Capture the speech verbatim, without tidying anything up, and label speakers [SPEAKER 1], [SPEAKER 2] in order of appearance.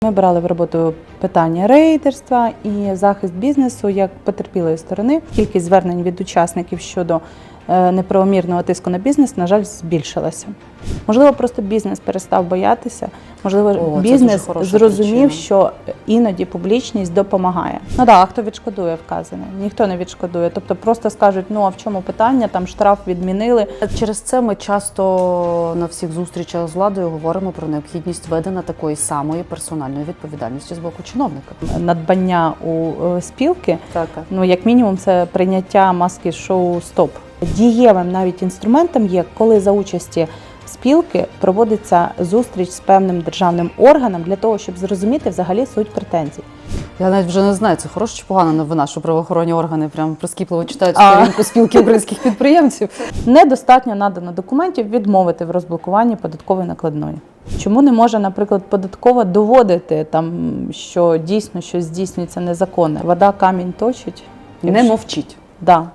[SPEAKER 1] Ми брали в роботу питання рейдерства і захист бізнесу як потерпілої сторони. Кількість звернень від учасників щодо неправомірного тиску на бізнес, на жаль, збільшилася. Можливо, просто бізнес перестав боятися, можливо,
[SPEAKER 2] О,
[SPEAKER 1] бізнес зрозумів,
[SPEAKER 2] причина.
[SPEAKER 1] що іноді публічність допомагає. Ну так, а хто відшкодує вказане? Ніхто не відшкодує. Тобто просто скажуть, ну а в чому питання, там штраф відмінили.
[SPEAKER 2] Через це ми часто на всіх зустрічах з владою говоримо про необхідність введення такої самої персональної відповідальності з боку чиновника.
[SPEAKER 1] Надбання у спілки,
[SPEAKER 2] Так.
[SPEAKER 1] ну як мінімум, це прийняття маски шоу «Стоп». Дієвим навіть інструментом є, коли за участі спілки проводиться зустріч з певним державним органом для того, щоб зрозуміти взагалі суть претензій.
[SPEAKER 2] Я навіть вже не знаю, це хороша чи погана новина, що правоохоронні органи прям прискіпливо читають
[SPEAKER 1] А.
[SPEAKER 2] сторінку спілки українських підприємців.
[SPEAKER 1] Недостатньо надано документів відмовити в розблокуванні податкової накладної. Чому не може, наприклад, податкова доводити, там, що дійсно щось здійснюється незаконне? Вода камінь точить?
[SPEAKER 2] Не мовчіть.
[SPEAKER 1] Да.